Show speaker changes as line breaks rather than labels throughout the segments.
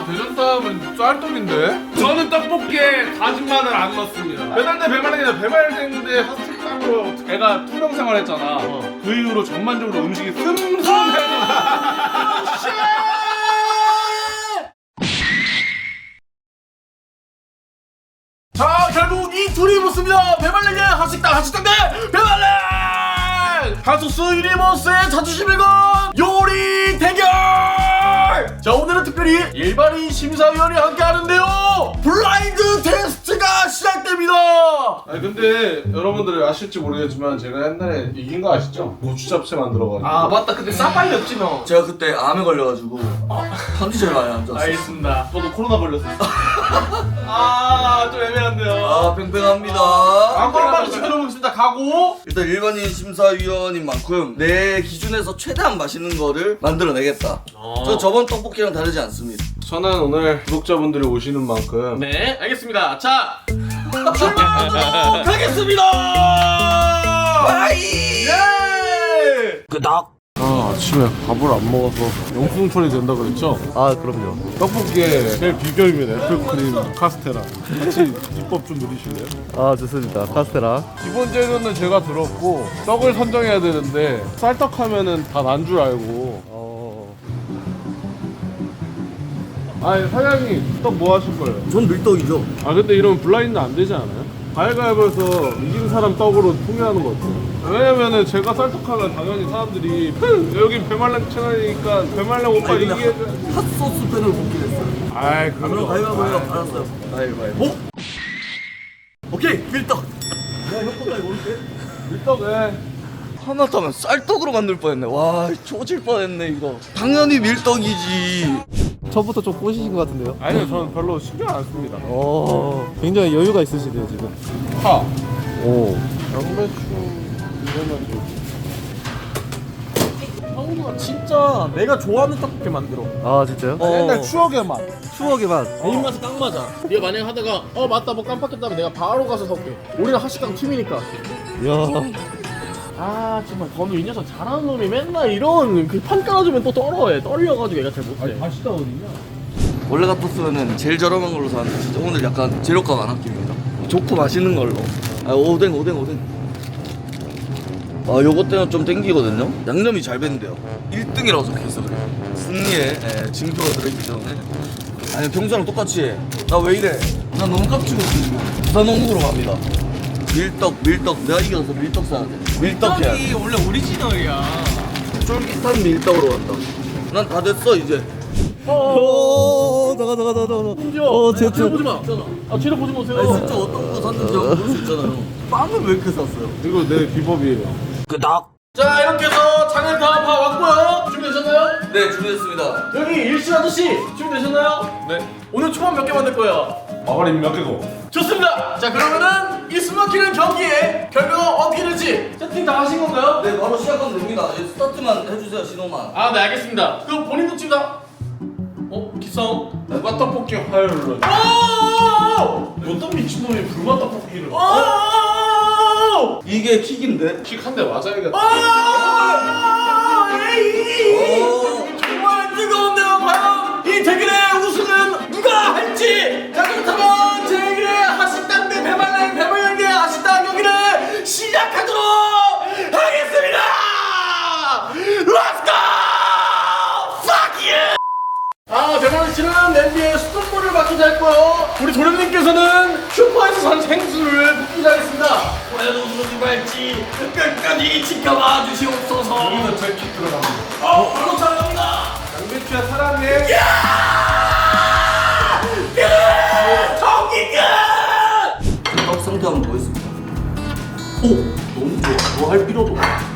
대전 사람은 쌀떡인데? 저는 떡볶이에 다진 마늘 안 넣습니다. 배달대 배말랭이나 배말랭대 핫식당으로 애가 투병 생활했잖아. 그 이후로 전반적으로 음식이 슴슴해져.
자, 결국 이 둘이 붙습니다. 배말랭의 핫식당 대 배말랭! 하소스 유니버스의 자존심 일건 요리 대결! 자, 오늘은 특별히 일반인 심사위원이 함께 하는데요. 블라인드 테스트가 시작됩니다.
아니 근데 여러분들 아실지 모르겠지만 제가 옛날에 이긴 거 아시죠? 고추 잡채 만들어가지고.
아, 맞다. 그때 싸빨렸지 너.
제가 그때 암에 걸려가지고 컨디션이 많이 안 좋았어요.
알겠습니다.
저도 코로나 걸렸었어.
아, 좀 애매한데요.
아, 팽팽합니다.
한번만 지켜보겠습니다. 가고.
일단 일반인 심사위원인 만큼 내 기준에서 최대한 맛있는 거를 만들어내겠다. 저 저번 떡볶이랑 다르지 않습니다.
저는 오늘 구독자분들이 오시는 만큼
네, 알겠습니다. 자, 출발하도록 하겠습니다.
아이!
예!
끄덕.
아침에 밥을 안 먹어서 용풍 처리 된다 그랬죠?
아 그럼요.
떡볶이의 제일 비결입니다. 애플크림 카스테라. 같이 비법 좀 누리실래요?
아 좋습니다. 카스테라.
기본 재료는 제가 들었고 떡을 선정해야 되는데 쌀떡 하면은 다 난 줄 알고. 아니 사장님 떡 뭐 하실 거예요?
전 밀떡이죠.
아 근데 이러면 블라인드 안 되지 않아요? 가위바위보에서 이긴 사람 떡으로 통일하는 거 어때요? 왜냐면은 제가 쌀떡하면 당연히 사람들이 여기 배말랭 채널이니까 배말랭 오빠 이기해.
핫소스 팬을 먹긴 했어요.
아이
그럼
그럼
가위바위보 알았어요. 가위바위보. 오케이, 밀떡. 야, 효과가 이거 올게.
밀떡에
하마터면 쌀떡으로 만들 뻔했네. 와, 조질 뻔했네 이거. 당연히 밀떡이지.
처음부터 좀 꼬시신 것 같은데요?
아니요 저는 별로 신경 안 씁니다.
굉장히 여유가 있으시네요 지금.
파,
오.
양배추 이러면
형우가 진짜 내가 좋아하는 떡볶이 만들어.
아 진짜요?
옛날 추억의 맛.
추억의 맛.
내 입맛에 딱 맞아. 네가 만약에 하다가 맞다 뭐 깜빡했다면 내가 바로 가서 사올게. 우리는 하식당 팀이니까.
이야.
아 정말 건우 이 녀석 잘하는 놈이 맨날 이런 그 판 깔아주면 또 떨어해. 떨려가지고 얘가 잘 못해.
맛있다 어디냐?
원래 같았으면은 제일 저렴한 걸로 사는데 진짜 오늘 약간 재료값 안 아낍니다. 좋고 맛있는 걸로. 아, 오뎅. 아, 요것 때문에 좀 땡기거든요. 양념이 잘 밴대요. 1등이라고 적혀있어 그래요. 승리에 징표가 들어있기 때문에. 아니 평소랑 똑같이 해. 나 왜 이래? 나 너무 깝치고 있어. 부산 원국으로 갑니다. 밀떡. 내가 이겨서 밀떡 사야 돼. 밀떡 해야 돼.
원래 오리지널이야.
쫄깃한 밀떡으로 간다. 난 다 됐어 이제.
나가.
제 뒤로 보지 마. 아 뒤로 보지 마세요.
아니 진짜 어떤 거 샀는지 모를 수 있잖아요. 빵을 왜 이렇게 샀어요?
이거 내 비법이에요.
끄덕.
자 이렇게 해서 장을 다 봐왔고요. 준비되셨나요?
네, 준비됐습니다.
여기 일신 아저씨 준비되셨나요?
네.
오늘 초밥 몇 개 만들 거예요?
마가린 몇 개고?
좋습니다. 자 그러면은 이 숨막히는 경기에 결과가 어떻게 될지 세팅 다 하신 건가요?
네, 바로 시작하면 됩니다. 이제 스타트만 해주세요, 신호만.
아 네 알겠습니다. 그럼 본인도 지금 다 기싸움?
누가 떡볶이 화요일로?
어떤 미친놈이 불맛 떡볶이를
이게 킥인데?
킥 한 대 맞아야겠다.
정말 뜨거운데요. 과연 이 대결의 우승은 누가 할지. 자 그렇다면 제1회 하식당 대 배말랭 대 하식당 경기를 시작하도록 하겠습니다. Let's go! Fuck you! 배말랭 씨는 냄비에 수돗물을 맡기자 했고요. 우리 도련님께서는 슈퍼에서 산 생수를 붓기자 했습니다. 과연 우승이 할지 끝까지 지켜봐 주시옵소서.
여기서 제킥 들어갑니다.
바로 잘합니다.
양배추야 사랑해.
경기 끝!
떡 상태 한번 보겠습니다. 오! 너무 좋아. 뭐 할 필요도 없어.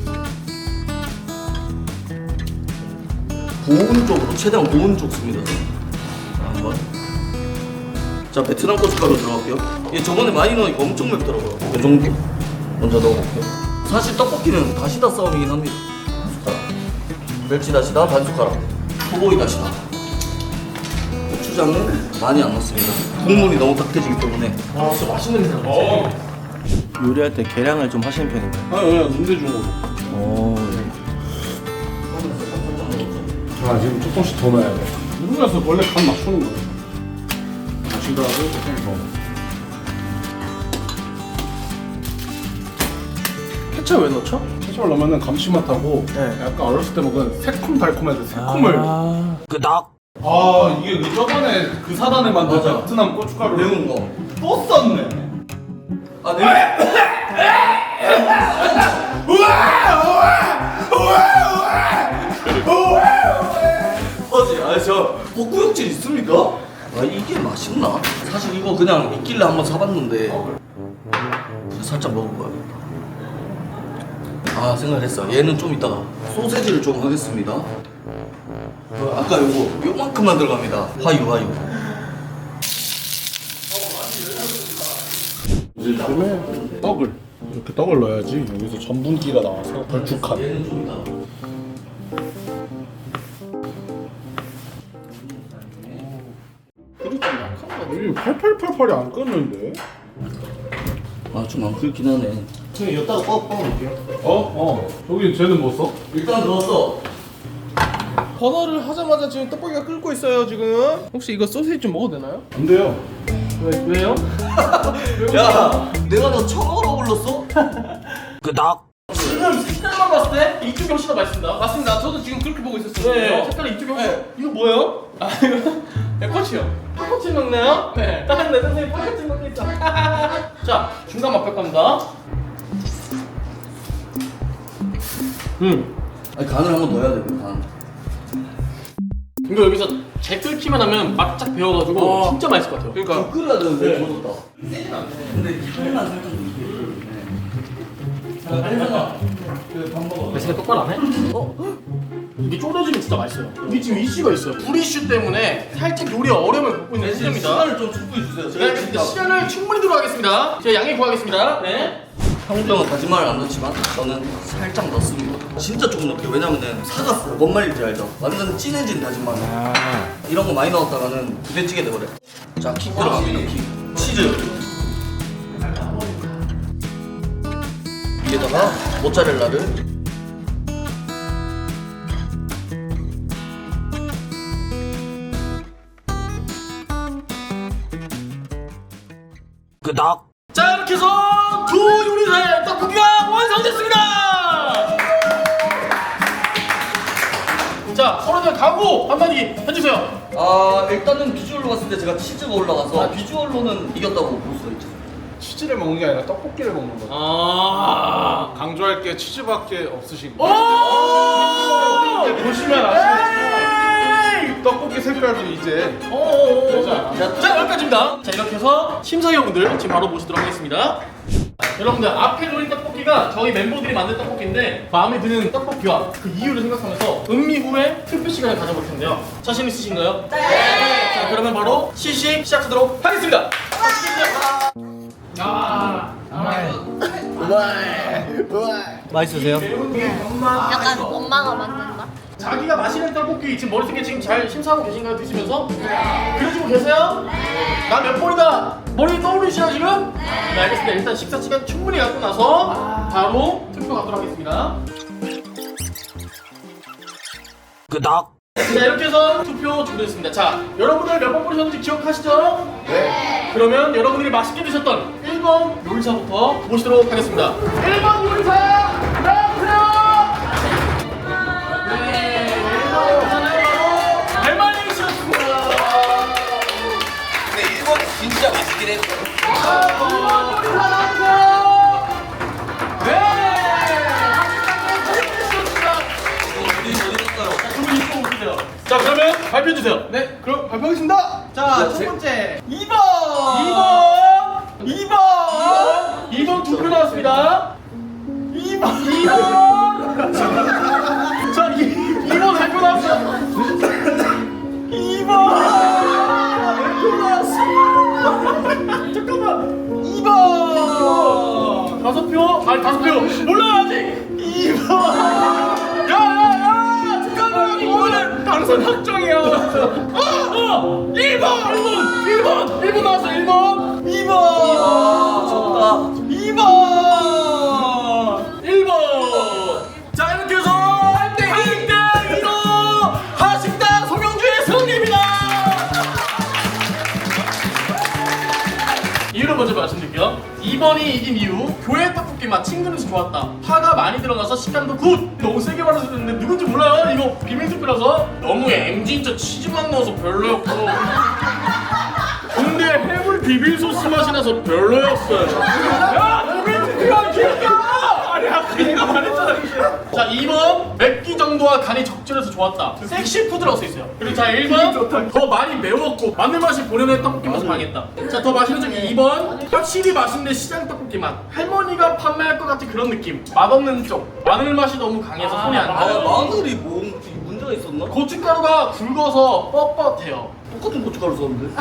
고운 쪽으로, 최대한 고운 쪽 씁니다. 자, 한번. 자, 베트남 고춧가루 들어갈게요. 이게 저번에 많이 넣으니까 엄청 맵더라고요. 이 정도 먼저 넣어볼게요. 사실 떡볶이는 다시다 싸움이긴 합니다. 숟가락. 멸치 다시다 반 숟가락. 소고기 다시다. 고추장은 많이 안 넣습니다. 국물이 너무 딱해지기 때문에.
아 진짜 맛있는 냄새 나지?
요리할 때 계량을 좀 하시는 편인가요?
아니 눈대중으로.
오.
아 지금 조금씩 더 넣어야 돼. 누르면서 원래 간 맞추는 거예요. 마시다가 조금 더.
케첩 왜 넣죠?
케첩을 넣으면 감칠맛하고 약간 어렸을 때 먹은 새콤달콤해서 새콤을.
끄덕.
아 이게 그 저번에 그 사단에 만든
맞아.
베트남 고춧가루
매운 거.
또 썼네.
아 네. 맞지? 아저 복구역질 있습니까? 아 이게 맛있나? 사실 이거 그냥 있길래 한번 사봤는데 살짝 먹어봐야겠다. 아 생각했어. 얘는 좀 이따가 소세지를 좀 하겠습니다. 아까 요만큼만 들어갑니다. 화유.
요즘에 떡을 이렇게 떡을 넣어야지 여기서 전분기가 나와서 걸쭉한.
얘는 좀 이따가.
이게 8888이 안 끓는데?
아 좀 안 끓긴 하네.
저희 여기다가 뻗어볼게요.
저기 쟤는 뭐 써?
일단 넣었어.
버너를 하자마자 지금 떡볶이가 끓고 있어요 지금. 혹시 이거 소시지 좀 먹어도 되나요?
안 돼요.
왜요?
야, 내가 너 처음으로 불렀어? 끄덕.
지금 색깔만 봤을 때 이쪽이 훨씬 더 맛있습니다. 맞습니다. 저도 지금 그렇게 보고 있었어요.
네.
색깔이 이쪽이 훨씬. 이거 뭐예요? 아 이거 백꼬치요. 팥꼬치 먹나요? 네. 다른 내 선생님 팥꼬치 먹고 있어. 자 중간 맛볼 겁니다.
아니 간을 한번 넣어야 돼, 간.
이거 여기서 재 끓기만 하면 막짝 배워가지고 진짜 맛있을 것 같아요. 그러니까
끓여야 되는데 젖었다. 근데 향만 살짝 그밥 먹어.
내 생각 똑바로 안 해? 이게 졸여지면 진짜 맛있어요. 이게 지금 이슈가 있어요. 불 이슈 때문에 살짝 요리에 어려움을 겪고 있는 시점입니다.
시간을 좀 충분히 주세요.
제가 알겠습니다. 시간을 충분히 들어가겠습니다. 제가 양해 구하겠습니다. 네.
형병은 거짓말을 안 넣지만 저는 살짝 넣습니다. 진짜 조금 넣을게요. 왜냐면은 사갔어. 뭔 말인지 알죠? 완전 진해진 다진 마늘. 이런 거 많이 넣었다가는 부대찌개 돼버려. 자, 킥 들어갑니다. 킥. 치즈. 위에다가 모짜렐라를. 끄덕.
자 이렇게 해서 두 요리사의 떡볶이가 완성됐습니다. 자 서로들 각오 한마디 해주세요.
아 일단은 비주얼로 봤을 때 제가 치즈가 올라가서 비주얼로는 이겼다고 볼 수 있죠.
치즈를 먹는 게 아니라 떡볶이를 먹는 거죠.
아.
강조할 게 치즈밖에 없으신
오!
거예요. 보시면 아시겠지만 떡볶이 색깔도 이제 되지 않아?
자 여기까지입니다. 자 이렇게 해서 심사위원분들 지금 바로 모시도록 하겠습니다. 여러분들 앞에 놓인 떡볶이가 저희 멤버들이 만든 떡볶이인데 마음에 드는 떡볶이와 그 이유를 생각하면서 음미 후에 투표 시간을 가져볼 텐데요. 자신 있으신가요? 네. 자 그러면 바로 시식 시작하도록 하겠습니다.
맛있으세요?
약간 엄마가 만든 맛?
자기가 마시는 떡볶이 지금 머릿속에 지금 잘 심사하고 계신가요? 드시면서? 그려주고 계세요? 나 몇 번이다 머리 떠오르시나 지금? 네 알겠습니다. 일단 식사 시간 충분히 갖고 나서 바로 투표 가도록 하겠습니다.
끄덕.
자 이렇게 해서 투표 준비됐습니다. 자 여러분들 몇 번 보셨는지 기억하시죠? 네. 그러면 여러분들이 맛있게 드셨던 1번 요리사부터 모시도록 하겠습니다. 1번 요리사 나와주세요. 네 1번 요리사는 바로 달말랭이 씨였습니다.
근데 일본이 진짜 맛있긴 했어.
2번 요리사 나와주세요. 네. 두분 이거 보세요. 자 그러면 발표해 주세요. 네, 그럼 발표하겠습니다. 자, 첫 번째 2번. 2번 투표 나왔습니다. 2번. 자, 2번 발표 나왔어요. 2번 발표 나왔어. 잠깐만. 2번. 5표? 아니 5표. 몰라 아직. 2번. 야야야 잠깐만 이거는 당선 확정이야. 1번 나왔어. 1번 2번
졌다.
2번 1번. 자 이렇게 해서 1대 2로 하식당 송영주의 승리입니다. 이유를 먼저 말씀드릴게요. 2번이 이긴 이유. 교회 떡볶이 맛 친근해서 좋았다. 파가 많이 들어가서 식감도 굿. 너무 세게 말해서 그랬는데 누군지 몰라요. 이거 비밀 투표라서. 너무 진짜 치즈만 넣어서 별로였고. 근데 해물 비빔 소스 맛이 나서 별로였어요. 야, 비빔 투표가 기억나! 아니, 아까 내가 말했잖아. 자, 2번 맵기 정도와 간이 적절해서 좋았다. 섹시 푸드라고 써 있어요. 그리고 자, 1번 더 많이 매웠고 마늘 맛이 본연의 떡볶이 맛을 방했다. 자, 더 맛있는 점 2번 확실히 맛있는데 시장 떡볶이 맛. 할머니가 판매할 것 같은 그런 느낌. 맛없는 쪽. 마늘 맛이 너무 강해서 손이 안
아,
가요.
마늘이 뭐 문제가 있었나?
고춧가루가 굵어서 뻣뻣해요.
똑같은 고춧가루 썼는데?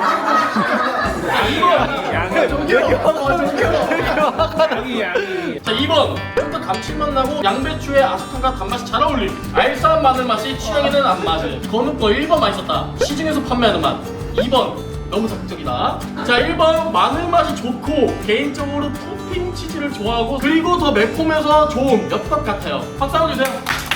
자, 2번 좀 더 감칠맛 나고 양배추의 아삭함과 단맛이 잘 어울림. 알싸한 마늘 맛이 취향에는 안 맞아요. 건우 거 1번 맛있었다. 시중에서 판매하는 맛. 2번 너무 자극적이다. 자, 1번 마늘 맛이 좋고 개인적으로 토핑 치즈를 좋아하고 그리고 더 매콤해서 좋은 엽떡 같아요. 박수 한번 주세요.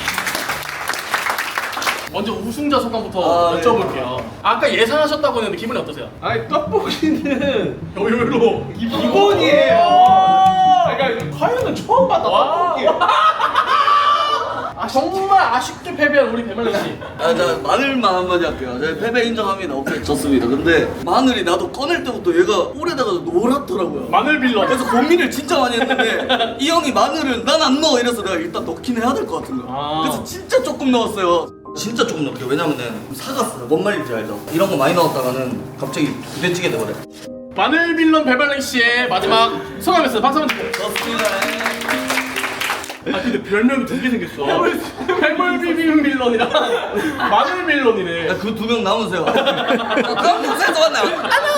먼저 우승자 소감부터
네.
여쭤볼게요. 아까 예상하셨다고 했는데 기분이 어떠세요?
아니 떡볶이는
의외로
기본이에요. 그러니까 화요는 처음 봤다 떡볶이.
아, 정말 아쉽게 패배한 우리 배말랭 씨.
아, 자, 마늘만 한마디 할게요. 제가 패배 인정합니다. 오케이, 졌습니다. 근데 마늘이 나도 꺼낼 때부터 얘가 오래다가 노랗더라고요.
마늘 빌런.
그래서 고민을 진짜 많이 했는데 이 형이 마늘을 난 안 넣어 이래서 내가 일단 넣긴 해야 될 것 같은 거야.
아.
그래서 진짜 조금 넣었어요. 진짜 조금 넣을게요. 왜냐면은 사갔어요. 뭔 말인지 알죠? 이런 거 많이 넣었다가는 갑자기 부대찌개 돼버려.
마늘 빌런 배말랭 씨의 마지막 소감이었어요. 박수 한번 주세요.
좋습니다.
아, 근데 별명이 두 개 생겼어. 해물 비빔 빌런이랑 마늘 빌런이네.
그 두 명 남으세요. 그럼 동생도 왔나?